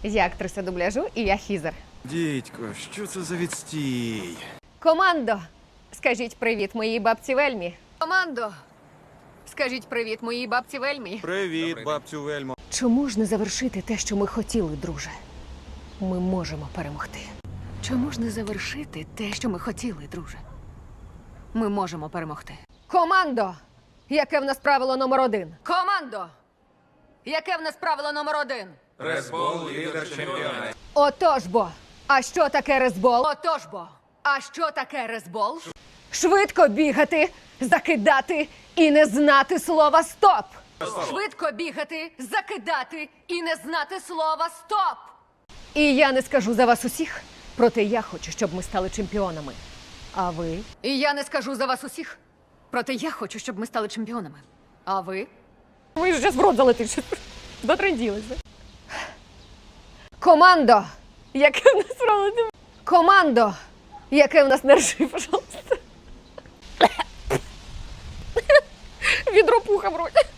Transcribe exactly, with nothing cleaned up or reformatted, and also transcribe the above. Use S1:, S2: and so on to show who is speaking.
S1: Я актриса дубляжу і я Хізер.
S2: Дідько, що це за відстій?
S1: Командо, скажіть привіт моїй бабці Вельмі. Командо, скажіть привіт моїй бабці Вельмі.
S2: Привіт, бабцю Вельмо.
S1: Чому ж не завершити те, що ми хотіли, друже? Ми можемо перемогти. Чому ж не завершити те, що ми хотіли, друже? Ми можемо перемогти. Командо! Яке в нас правило номер один? Командо! Яке в нас правило номер один?
S3: Резбол, лідер чемпіона.
S1: Отож бо! А що таке резбол? Отож бо! А що таке резбол? Швидко бігати, закидати і не знати слова стоп! Швидко бігати, закидати і не знати слова стоп! І я не скажу за вас усіх, проте я хочу, щоб ми стали чемпіонами. А ви? І я не скажу за вас усіх, проте я хочу, щоб ми стали чемпіонами. А ви? Ви ж зараз в рот залетиш. Дотренділися. Командо! Яке в нас правило? Командо! Яке в нас не ржи, пожалуйста. Відро пуха в роті.